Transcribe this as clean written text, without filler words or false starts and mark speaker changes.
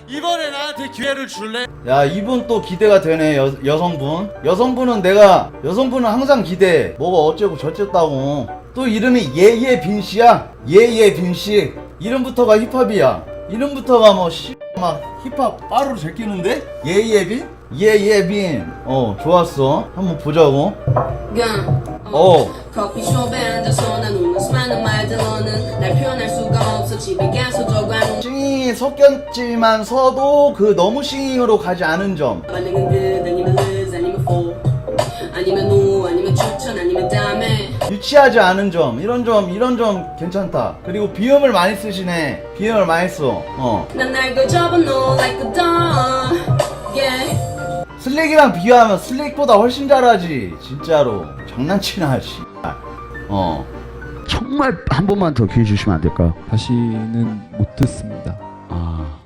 Speaker 1: 이번에 나한테 기회를 줄래?
Speaker 2: 야, 이분 또 기대가 되네. 여성분. 여성분은 항상 기대해. 뭐가 어쩌고 저쩌다고. 또 이름이 예예빈씨야. 예예빈씨. 이름부터가 힙합이야. 이름부터가 막 힙합 빠르로 제끼는데? 예예빈? 예예빈. 좋았어. 한번 보자고.
Speaker 3: 커피숍에 앉아서 나누는 수많은 말들 너는 날 표현할 수가 없어 집에 가서 적어놓은
Speaker 2: 싱이 섞였지만서도 그 너무 싱잉으로 가지 않은 점.
Speaker 3: 반응은 good 아니면 lose 아니면 for 아니면 no 아니면 추천 아니면 다음에
Speaker 2: 유치하지 않은 점. 이런 점 괜찮다. 그리고 비음을 많이 쓰시네. 비음을 많이 써.
Speaker 3: 난 날 그 접어놓어 like a dog yeah
Speaker 2: 슬릭이랑 비교하면 슬릭보다 훨씬 잘하지. 진짜로 장난치나. 정말 한 번만 더 기회 주시면 안 될까요?
Speaker 4: 다시는 못 듣습니다.